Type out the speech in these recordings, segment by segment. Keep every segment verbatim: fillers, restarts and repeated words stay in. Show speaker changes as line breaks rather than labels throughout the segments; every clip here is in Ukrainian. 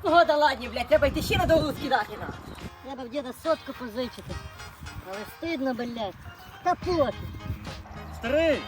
погода ладні, блядь, треба йти ще на довгу скидати на. Треба в діда сотку позичити. Але стидно, блядь. Та пофіг.
Старий,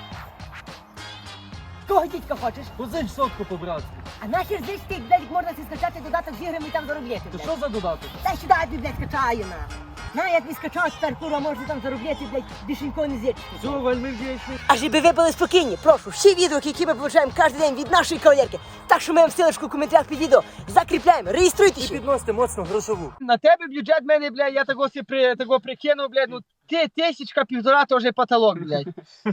Кого дідька хочеш?
позич сотку по-братськи.
А нахер здесь ти, блядь, можна си скачати додаток з іграми і там заробляти,
То
блядь.
що за додаток?
Дай сюди, я тобі, блядь, скачаю, на. На, я тобі скачав, тепер, курва, можна там заробляти, блядь, бішенько не зірчити.
Все, вельми вдячний.
А щоб ви були спокійні, прошу, всі відео, які ми получаємо кожен день від нашої кавалерки, так що ми вам ссылочку в коментарях під відео закріпляємо, реєструйтесь.
І підносите моцно грошову. На тебе бюджет мене, блядь, я того си при, того прикинув, блядь, ну ти тисячка півтора, то вже потолок, блядь.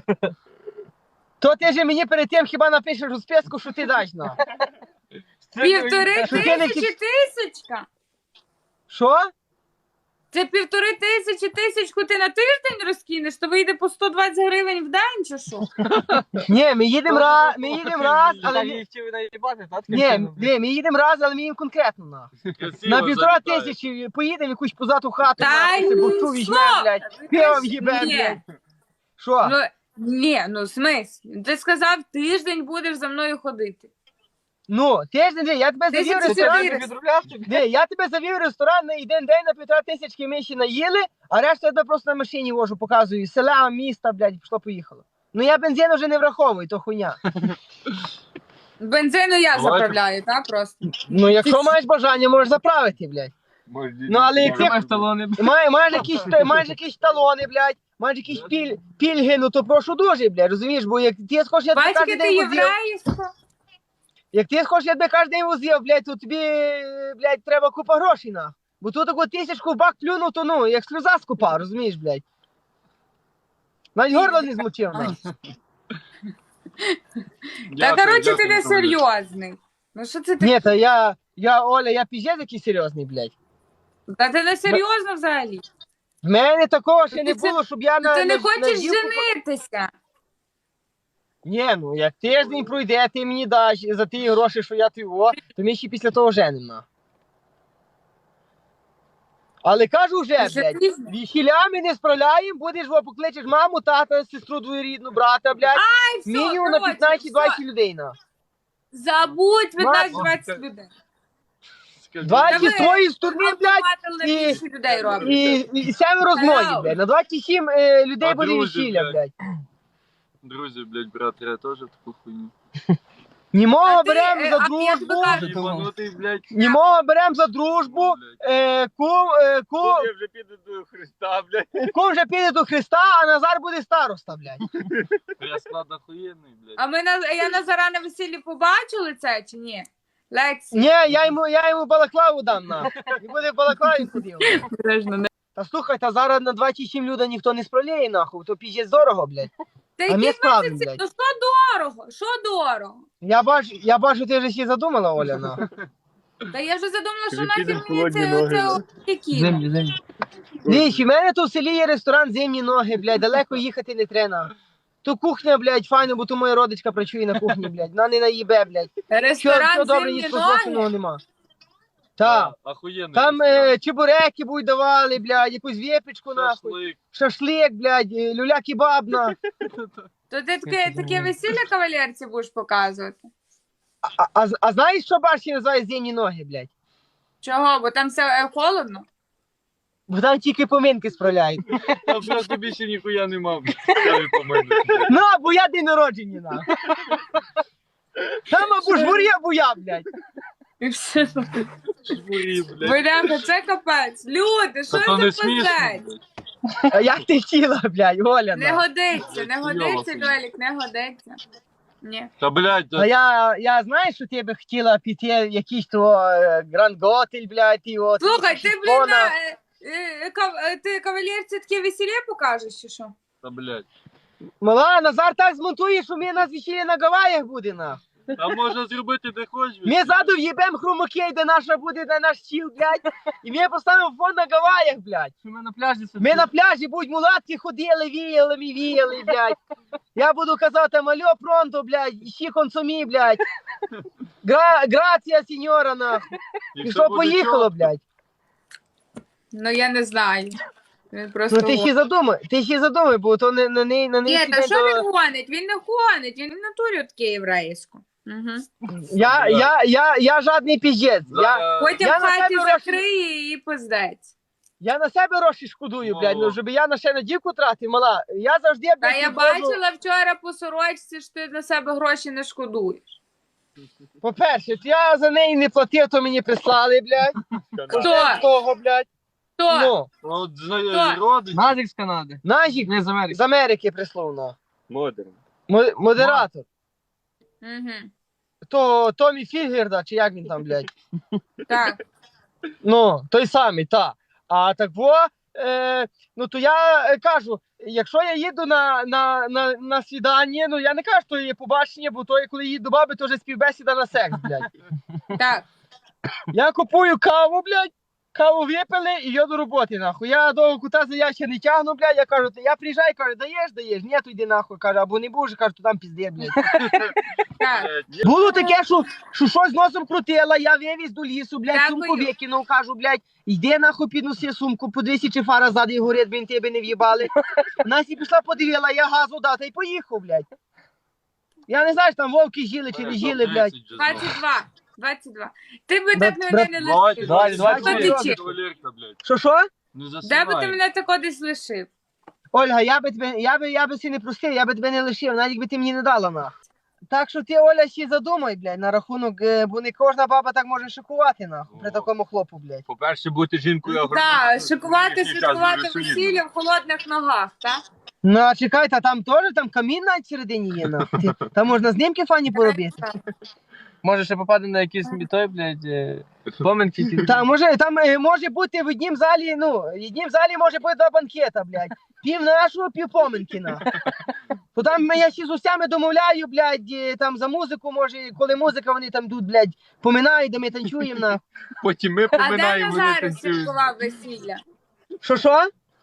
То ти же мені перед тим хіба напишеш у списку, що ти дасть, на.
Півтори
Що ти не
тисячі
кі-
тисячка.
Що?
Це півтори тисячі тисячку ти на тиждень розкинеш, то вийде по сто двадцять гривень в день чи що?
Ні, ми їдемо раз, ми їдемо раз, але... ми-
хотів наїбати, так?
Ні, ні, ми їдемо раз, але ми їм конкретно, на. На півтора тисячі поїдемо якусь позату хату,
Та
на,
й
бухту
ну
візьмемо,
що?
блядь, пивом їбемо,
Ні.
блядь. Що?
Ну, ні, ну в смислі? Ти сказав, тиждень будеш за мною ходити.
Ну, тиждень, же, я тебе
Тисячі
завів в ресторан.
чотириста.
Ні, я тебе завів в ресторан на один день на півтора тисячки ми ще наїли, а решту я тебе просто на машині вожу, показую. Села, міста, блядь, пішло поїхало. Ну я бензин вже не враховую, то хуйня.
Бензину я заправляю, так просто.
Ну якщо маєш бажання, можеш заправити, блядь. Ну але як ти
маєш талони.
має, маєш якісь, маєш якісь талони, блядь, маєш якісь піль, пільги, ну то прошу дуже, блядь, розумієш, бо як ти схочеш, я тебе
Батьки,
кожен
ти
день возив.
єврейсько.
Як ти хочеш, я тебе кожен день возив, блядь, то тобі, блядь, треба купа грошей, на. Бо тут таку тисячку в бак плюнув, то ну, як сльоза скупав, розумієш, блядь. Навіть горло не змочив, на.
Та коротше ти не серйозний. Ну що це ти?
Ні, та я, я, Оля, я піздець який серйозний, блядь.
Та ти не серйозно взагалі.
В мене такого ще не
Ти це-
було, щоб я на...
Ти не
на-
хочеш
на дівку-
женитися.
Ні, ну, як тиждень пройде, ти мені даш за ті гроші, що я тобі, о, то ми ще після того женимо, на. Але кажу вже,
Ти
блядь,
серйозно?
весіля ми не справляємо, будеш, во, покличеш маму, тата, сестру двоюрідну, брата, блядь.
Ай, все,
Мінімум на
коротше,
п'ятнадцять-двадцять
все.
людей, на.
Забудь
Мама,
п'ятнадцять-двадцять людей.
двадцять
Та
з
ви-
твоєї сторони, блядь,
Автоматом
і-
більше людей роблять.
і, і семеро з мої,
Hello.
блядь. На двадцять сім е, людей
А
буде
друзі,
весілля,
блядь.
блядь.
Друзі, блядь, брат, я теж таку хуйню.
Німого
А ти,
беремо
е,
за
а я тобі
дружбу,
кажу,
Єбанутий, блядь.
німого беремо за дружбу, е, кум, е, кум,
Я вже піду до Христа, блядь.
кум вже піде до Христа, а Назар буде староста, блядь.
Я склад охуєнний, блядь.
А ми на я Назара на весіллі побачили це чи ні? Лексі.
Ні, я йому, я йому балаклаву дам, на. І буде в балаклаві ходив. Та слухай, та зараз на двадцять сім людей ніхто не справляє, нахуй, то піздець дорого, блядь.
Та
А ми
які
справимо,
двадцять?
блядь.
Ну що дорого? Що дорого?
Я бачу, я бачу, ти вже всі задумала, Оля, на.
Та я вже задумала, що
Вже
нахер
підемо
мені
холодні
це
ноги,
оце які.
землі. Дивіться, в мене тут в селі є ресторан «Зимні ноги», блядь, далеко їхати не треба. То кухня, блядь, файно, бо то моя родичка працює на кухні, блядь. Вона не наїбе, блядь. Що,
Ресторан
що добре,
«Зимні
ні
ноги».
способного нема. Так.
Охуєнний.
Там
ресторан.
е, чебуреки будуть давали, блядь, якусь вєпічку, нахуй.
Шашлик.
Шашлик, блядь, е, люля-кебаб, на.
То ти таке, таке весілля кавалерці будеш показувати?
А, а, а знаєш, що башня називає «Зимні ноги», блядь?
Чого? Бо там все е, холодно?
Бо там тільки поминки справляють.
Там просто більше ніхуя нема, блядь. Я не помилю.
Ну, або я день народження, на. Там або жмурі, або я, блядь.
І все.
Жмурі, блядь.
Бляха, це капець. Люди, що
Та то не
це
смішно,
пиздець?
блядь.
А як ти хотіла, блядь, Оля,
Не
на.
годиться, не годиться,
Йола,
Льолік, не годиться. Ні.
Та, блядь,
А
та-
я, я знаю, що ти би хотіла піти якийсь то е, Гранд Готель, блядь, і от.
Слухай, ти,
якийсь
блін,
Кона.
на, е, е, кав- е, ти кавалерці таке весілля покажеш, чи що?
та, блядь.
Мала, Назар так змонтує, що ми нас весілля на Гаваях буде, на.
Там можна зробити де хочеш.
Ми ззаду в'їбем хромакей, де наша буде, де наш стіл, блядь. І ми поставимо фон на Гаваях, блядь.
Ми на пляжі
Ми на пляжі будь мулатки ходили, віяли, ми віяли, блядь. Я буду казати, мальо пронто, блядь, ищи консумі, блядь. Гра, грація, сеньора, нахуй. І що, поїхало, блядь.
Ну, я не знаю. Він просто...
Ну ти ще задумай, ти ще задумай, бо то не на неї, на неї.
Ні, та що він гонить? Він не гонить, він в натурі таке єврейсько. Угу.
Я, я, я, я жадний піздець. Я,
За-
Потім
Я
в
на
хаті
себе гроші-
закриє і пиздець.
я на себе гроші шкодую, блядь, ну,
Ну.
щоб я на ще на дівку тратив, мала. Я завжди,
Та
блядь,
я
підходжу-
бачила вчора по сорочці, що ти на себе гроші не шкодуєш.
По-перше, я за неї не платив, то мені прислали, блядь.
Хто?
Вже того, блядь.
Хто?
Ну,
От знаю,
Хто?
родич.
Назик з Канади.
Назік
Не з Америки.
з Америки прислав, на.
Модерн.
Мо- Модератор.
Угу.
То Томі Фігерда, чи як він там, блядь.
Так.
Ну, той самий, та. А так во, е, ну то я е, кажу, якщо я їду на, на, на, на свідання, ну я не кажу, що є побачення, бо то, коли їду до баби, то вже співбесіда на секс, блядь.
Так.
Я купую каву, блядь, каву випили і йду до роботи, нахуй. Я до кута за ящик не тягну, блядь, я кажу, я приїжджаю, кажу, даєш, даєш, ні, то йди нахуй, кажу, або не будеш, кажу, то там пізде, блядь.
Так.
Було таке, що, що щось носом крутила, я вивіз до лісу, блядь,
Дякую.
сумку викинув, кажу, блядь, йди нахуй підноси сумку, подивися, чи фара ззаді горить, блін, тебе не в'їбали. Насі пішла, подивила, я газу дав, та й поїхав, блядь. Я не знаю, що там вовки жили чи не жили, блядь.
двадцять два. двадцять два. Ти би
Брат-
так мене
брат-
не
Давайте,
лишив.
давайте,
давайте,
Хто
давайте.
ти чи?
Кавалерка, блядь.
Що, що?
Не
Де би ти
засинай.
мене тако десь лишив?
Ольга, я би тебе, я би, я би си не простив, я би тебе не лишив, навіть якби ти мені не дала, нахуй. Так що ти, Оля, ще задумай, блядь, на рахунок, е, бо не кожна баба так може шикувати, нахуй, при
О.
такому хлопу, блядь.
По-перше, бути жінкою
Так,
агрономом,
шикувати,
це час
святкувати
дуже солідно.
весілля в холодних ногах, так?
Ну, а чекай, та там теж, там камін навіть всередині є, нахуй. Ти- Там можна знімки фані поробити.
Може ще попаде на якийсь той, блядь, е, поминки. ті.
Та може, там е, може бути в однім залі, ну, в однім залі може бути два банкета, блядь. Пів нашого, пів поминки, нахуй. То там я ще з усями домовляю, блядь, е, там за музику, може, коли музика, вони там йдуть, блядь, поминають, де ми танцюємо, нахуй.
Потім ми
А де
поминаємо, вони
Назар
танцюють.
святкував весілля?
Що, що?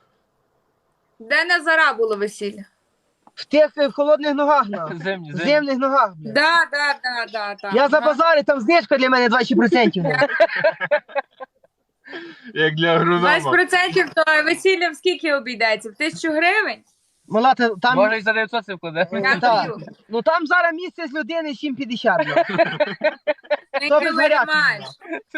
Де Назара було весілля?
В тих е, в холодних ногах, нахуй.
Земні,
В
земні.
земних ногах, блядь.
Да, да, да, да, да.
Я за базари, там знижка для мене двадцять відсотків. нахуй.
Як для агронома.
двадцять відсотків то весілля в скільки обійдеться? В тисячу гривень?
Мала, та- там,
Може і за дев'ятсот це вкладе.
Ну,
Я
так.
даю.
ну там зараз місце з людини сім п'ятдесят, блядь.
Ти
То без варіантів.
маєш.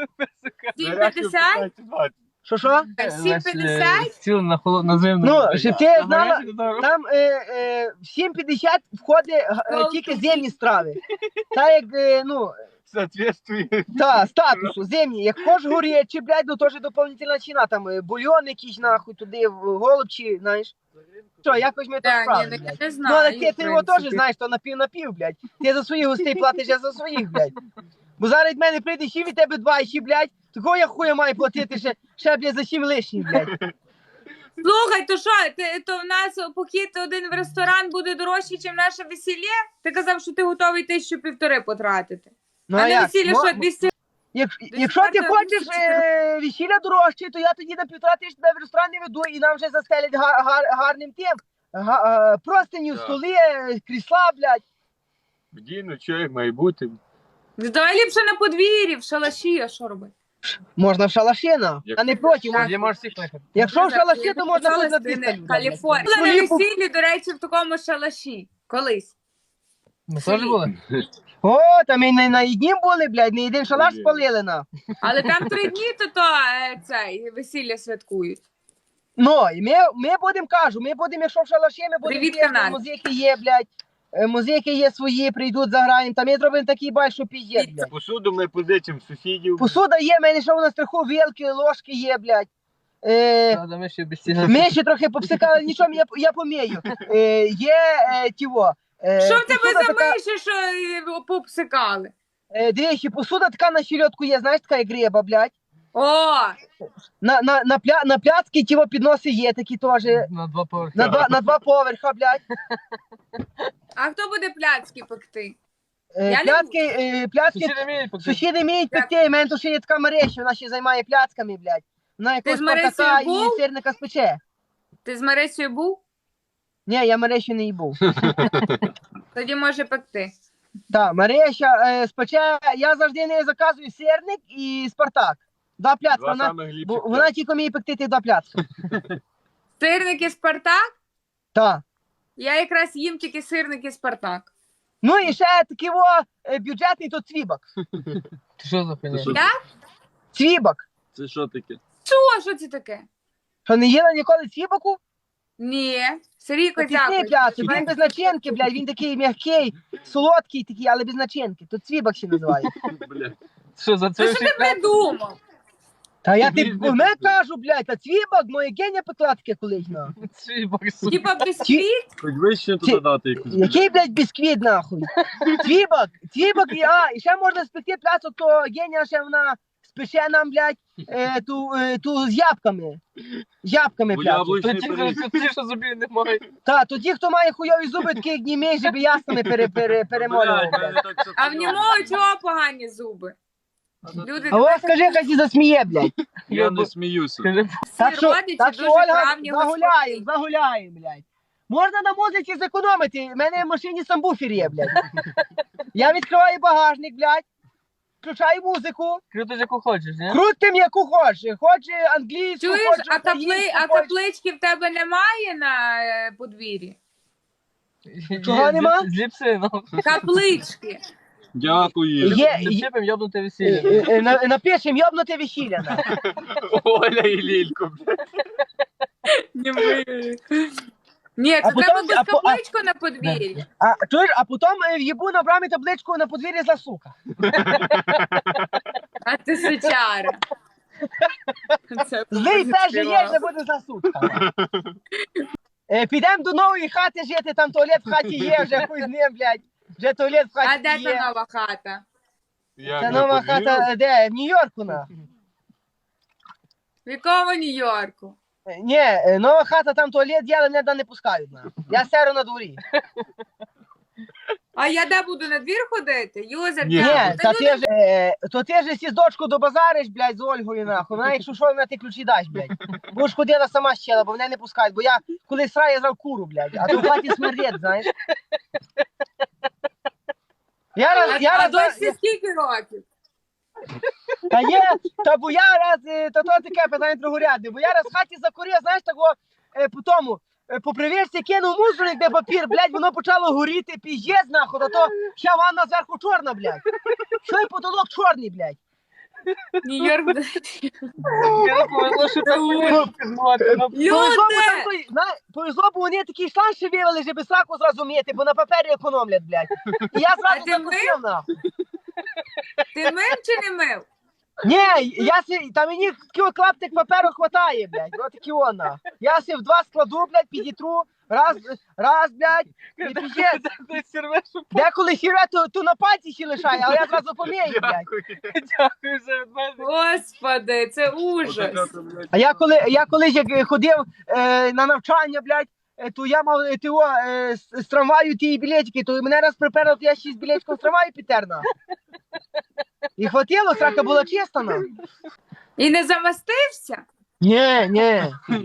сім п'ятдесят?
Що, що?
сім п'ятдесят?
Стіл на холод, на зимну.
Ну, щоб ти знала, там е, е, в сім п'ятдесят входить е, тільки земні страви. Та як, е, ну,
Соответствує.
та, статусу, земні. Як хочеш горячі, блядь, ну теж доповнительна ціна, там е, бульйон якийсь, нахуй, туди, в голубчі, знаєш. Що, якось ми так
Так, ні,
справили,
ну,
блядь.
я не
Ну, але
знаю.
ти,
в
ти його теж
принципі.
знаєш, то напів-напів, блядь. Ти за своїх гостей платиш, я за своїх, блядь. Бо зараз від мене прийде ще від тебе два, ще, блядь, такого я хуя маю платити ще, ще, блядь, за сім лишніх, блядь.
Слухай, то що, ти, то в нас похід один в ресторан буде дорожчий, ніж наше весілля? Ти казав, що ти готовий тисячу півтори потратити.
Ну,
а на
як?
весілля
Мо-
що, двісті?
Як,
Десь
якщо ти
варто
хочеш
вісім
е, весілля дорожче, то я тоді на півтора тисячі тебе в ресторан не веду і нам вже застелять гар, гар, гарним тим. Га, е, простиню,
Так.
столи, е, крісла, блядь.
Вдіну, що як має бути.
Ну, давай ліпше на подвір'ї, в шалаші, а що робити?
Можна в шалаші, на,
Як-
а не проти.
Так.
Тоді можеш всіх кликати.
Якщо в шалаші,
Я
то можна
написала,
хоч на
що ти
двісті
не
людей.
Каліфорнія.
блядь.
Була на
Ну,
весіллі, до речі, в такому шалаші. Колись.
Ми теж були?
О, там і не на однім були, блядь, не один шалаш
Блін.
спалили, на.
Але там три дні, то то е, цей, весілля святкують.
Ну, і ми, ми будемо, кажу, ми будемо, якщо в шалаші, ми будемо,
Привіт,
пісні,
канал.
музики є, блядь. е, Музики є свої, прийдуть, заграємо. Там ми зробимо такий бай, що піздець, блядь.
Посуду ми позичимо сусідів.
Посуда є, в мене ще на страху вилки, ложки є, блядь. Е,
Та, ми ще без цього.
ми ще трохи попсикали, нічого, я, я помію. Е, є е, тіво. Е,
Що в тебе
посуда
за
така-
миші, що е, попсикали?
Е, дивіться, посуда така на щельотку є, знаєш, така як греба, блядь.
О,
На, на, на, пля, на пляцки тіво підноси є такі теж.
На два поверхи.
На два, на два поверха, блядь.
а хто буде пляцки пекти?
Е,
Я не
пляцки, е, пляцки,
Сусіди вміють поки.
сусіди вміють пекти, в мене тут ще є така мережа, вона ще займає пляцками, блядь. Вона якось
з Марисею
Спартака і
був?
сирника спече.
Ти з Марисею був?
Ні, я мережі не їбув.
Тоді може пекти.
Так, Мареща е, спече, я завжди не заказую сирник і Спартак. Два пляцка,
Два
вона,
самих
бо,
ліпших.
вона тільки вміє пекти ті два пляцка.
Сирники Спартак?
Так.
Я якраз їм тільки сирники Спартак.
Ну і ще такий о, е, бюджетний то цвібак.
Ти що за хуйня?
що?
Я?
Цвібак.
Це що таке?
Що? Що це таке?
Що не їла ніколи цвібаку?
Ні. Сергійко,
Пісні,
дякую.
блядь, він без начинки, блядь, він такий м'який, солодкий такий, але без начинки. То цвібак ще називає.
Бля.
Що за
Та
це?
що ти придумав?
Та я
Тобі
ти
ж не
не
піде.
кажу, блядь, та цвібак, моє геня пекла таке колись, на.
Типа бісквіт?
Хоч вище туди
Ті-
дати якусь.
Який, блядь, бісквіт, нахуй? Цвібак, цвібак, і, а, і ще можна спекти пляцок, то геня ще вона спече нам, блядь, е, ту, е, ту з ябками. З ябками
Бо
пляцок.
яблучний
Тоді
пиріг.
що ті, що зубів немає.
Та, то ті, хто має хуйові зуби, такі як німей, щоб ясними пере, пере, перемолював,
Блядь,
блядь.
мене так все
А в
понятно.
нього чого погані зуби? Люди,
А ось скажи, хай ті засміє, блядь.
Я не сміюся.
Скажи,
Так що,
родичі
так що
дуже
Ольга,
правні
загуляємо,
господині.
загуляємо, блядь. Можна на музиці зекономити, в мене в машині самбуфер є, блядь. Я відкриваю багажник, блядь, включаю музику,
круто, яку хочеш, ні?
крутим яку хочеш, хоче англійську,
Чуєш,
хоче
а, капли...
українську,
а
хоче-
каплички в тебе немає на е, подвір'ї?
Чого
Є,
нема?
з- З ліпсином.
Каплички.
Дякую.
Є, є.
Зачепим йобнути
Е,
весілля.
е, е, на- Напишем йобнути весілля. на.
Оля і Лілько.
Не ми. Ні, це
А потім-
треба
а по- а-
капличку на подвір'ї.
А чуєш, а потім е, в'їбу на брамі табличку на подвір'ї за сука.
А ти сучара. Це
Злий
дуже
теж є,
співав.
не буде за сутка. Е, Підемо до нової хати жити, там туалет в хаті є, вже хуй з ним, блядь. Вже туалет в
А
хаті
де та
є.
нова хата?
Як
Це
ви
нова
повірили?
хата, е, де? В Нью-Йорку, на.
В якому Нью-Йорку?
Е, Ні, е, нова хата, там туалет є, але мене там не пускають, на. Я серу на дворі.
А я де буду на двір ходити? Юзер,
Ні.
Ні,
дякую.
та
Та
ти
люди-
ж, е, то ти ж сі з дочку добазариш, блядь, з Ольгою, нахуй. Вона, якщо що, вона ти ключі дасть, блядь. Будеш ходила сама щела, бо мене не пускають, бо я коли сраю, я зрав куру, блядь, а то в хаті смердить, знаєш. Я раз,
А,
я
а
раз,
досі скільки років?
та є, та бо я раз, е, та то таке питання другорядне, бо я раз в хаті закурив, знаєш, такого, е, по тому, е, по привірці кинув мусорник, де папір, блядь, воно почало горіти, піздець, нахуй, а то ще ванна зверху чорна, блядь. Що й потолок чорний, блядь.
Нью-Йорк.
Я не повезло, що це
Люди!
Повезло, бо там той, зна- повезло, бо вони такий шланг ще вивели, щоб сраку зразу мити, бо на папері економлять, блядь. І я
А
зразу
ти
закусив, нахуй.
Ти мив чи не мив?
Ні, я си, та мені такий клаптик паперу хватає, блядь, ось такий вона. Я си в два складу, блядь, підітру, раз, раз, блядь, і піздець.
Ти сірвеш у
Деколи хіре, то, то на пальці ще лишає, але я зразу помію, блядь.
дякую за від мене.
Господи, це ужас.
А я коли, я колись як ходив е, на навчання, блядь, е, то я мав е, тіо, е, з, з трамваю ті білетики, то мене раз приперло, то я ще з білетиком з трамваю підтерна. І хватило, срака була чиста, на.
І не замастився?
Ні, ні.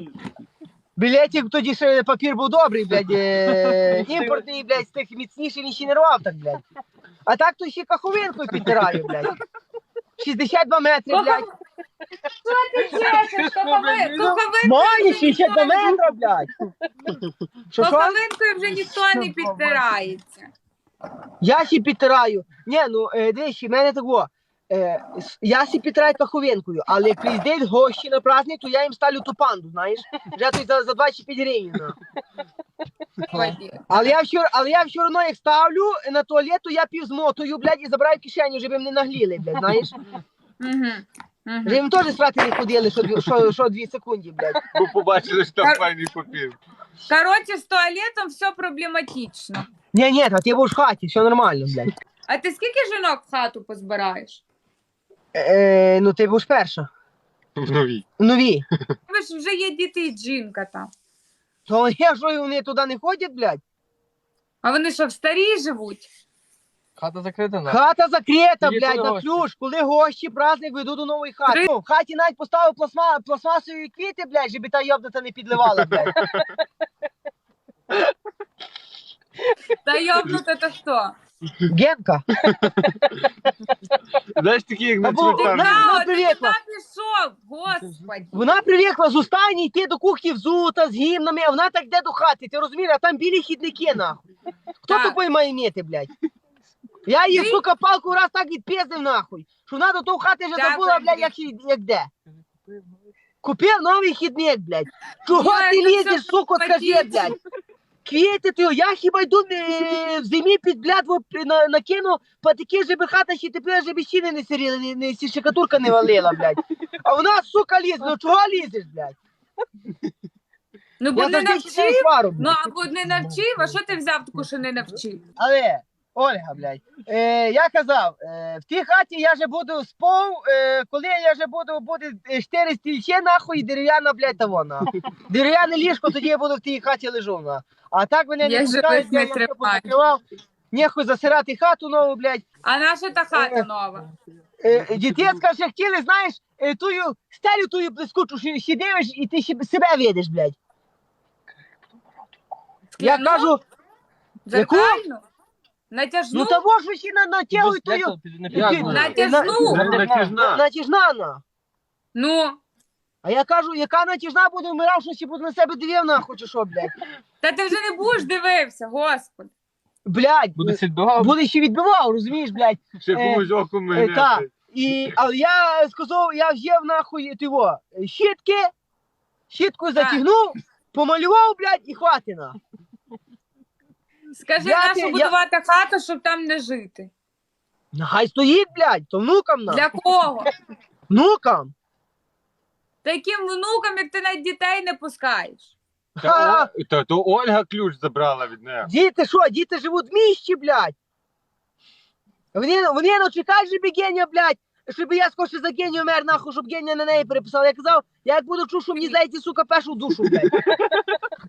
Білетик тоді ще папір був добрий, блядь, е, імпортний, блядь, з тих міцніший, він ще не рвав так, блядь. А так то ще каховинкою підтираю, блядь. шістдесят два метри, блядь.
Що ти чешеш? Кохови- Коховинкою
Має
вже
шістдесят два
ніхто не-
метри, блядь. Що, що?
Коховинкою вже ніхто не підтирається.
Я сі підтираю. Ні, ну е, дивись, в мене такого. Е, с- я сі підтираю каховинкою, але як приїздять гості на праздник, то я їм ставлю ту панду, знаєш? Вже тут за, за двадцять п'ять гривень. ну.
Ході.
Але я все, але я все одно як ставлю на туалет, то я пів змотую, блядь, і забираю в кишеню, щоб їм не нагліли, блядь, знаєш?
Мгм. Мгм.
Щоб їм теж срати не ходили, що, дві- що, що дві секунди, блядь.
Бо побачили, що там файний папір.
Коротше, з туалетом все проблематично.
Ні, ні, та ти будеш в хаті, все нормально, блядь.
А ти скільки жінок в хату позбираєш?
Е, ну ти будеш перша.
В новій.
Нові.
Ви ж вже є діти і жінка там.
То я що вони туди не ходять, блядь?
А вони що, в старій живуть?
Хата закрита, на.
Хата закрита,
Є
блядь,
коли
на
гості?
ключ. Коли гості, праздник, веду до нової хати.
Три-
Ну, в хаті навіть поставив пластма, пластмасові квіти, блядь, щоб та йобнута не підливала, блядь.
Та йобнута то хто?
Генка.
Знаєш, такі, як на
Або-
цвинтарі.
Вона-
Та,
вона
от
привикла.
туди пішов, господи.
Вона привикла з останній йти до кухні взута, з гімнами, а вона так йде до хати, ти розумієш, а там білі хідники, нахуй. Хто
Так.
тупий має міти, блядь? Я її,
Ти?
сука, палку раз так відпіздив нахуй. Що вона до того хати вже
Дякую,
забула, блядь,
Андрій.
як, ще- як де. Купив новий хідник, блядь. Чого
Ой,
ти
ну
лізеш,
це
сука, скажи,
хотіти.
блядь? Квіти ти, я хіба йду е, в зимі під блядво на, накину патики, щоб хата ще тепер, щоб щіни не сиріли, не, не, сі шикатурка не валила, блядь. А вона, сука, лізе, ну чого лізеш, блядь?
Ну, бо
Я
не
завжди ще не
навчив.
свару, блядь.
Ну, або не навчив, а що ти взяв таку, що не навчив?
Але, Ольга, блядь, е, я казав, е, в тій хаті я вже буду спав, е, коли я вже буду, буде е, чотири стільче, нахуй, і дерев'яна, блядь, того, на. Дерев'яне ліжко, тоді я буду в тій хаті лежу, на. А так мене не
Я
пускають,
живих не
я, я все
тримаю.
позакривав. Нехуй засирати хату нову, блядь.
А наша та хата нова?
Е, дітєцька ще хотіли, знаєш, е, тую стелю тую блискучу, що ще дивиш, і ти ще себе видиш, блядь. Я
Скляну?
кажу, яку?
Зеркальну? Натяжну?
ну того, що ще на, натягуй
Як
тую.
то? Ти не
Як
підійдеш.
вона?
Натяжну?
На-
Натяжна.
Натяжна, на.
Ну,
А я кажу, яка натяжна буде, вмирав, що ще буде на себе дивив, нахуй, чи що, блядь.
та ти вже не будеш дивився, господи.
Блядь,
Буде сідбав.
буде ще відбивав, розумієш, блядь.
Ще
Е,
комусь око
Е,
мене.
та. І, але я сказав, я взяв нахуй тиво, щітки, щітку затягнув, помалював, блядь, і хватина.
Скажи,
Я
нашу
ти- я-
будувати хату, щоб там не жити.
Хай стоїть, блядь, то внукам на.
Для кого?
Внукам.
Таким внукам, як ти навіть дітей не пускаєш.
Ха,
Та, О- та то Ольга ключ забрала від неї.
діти що, діти живуть в місті, блядь. Вони, вони ну чекають, щоб Геня, блядь, щоб я скорше за Геню мер, нахуй, щоб Геня на неї переписав. Я казав, я як буду чув, що мені зайти, сука, першу в душу, блядь.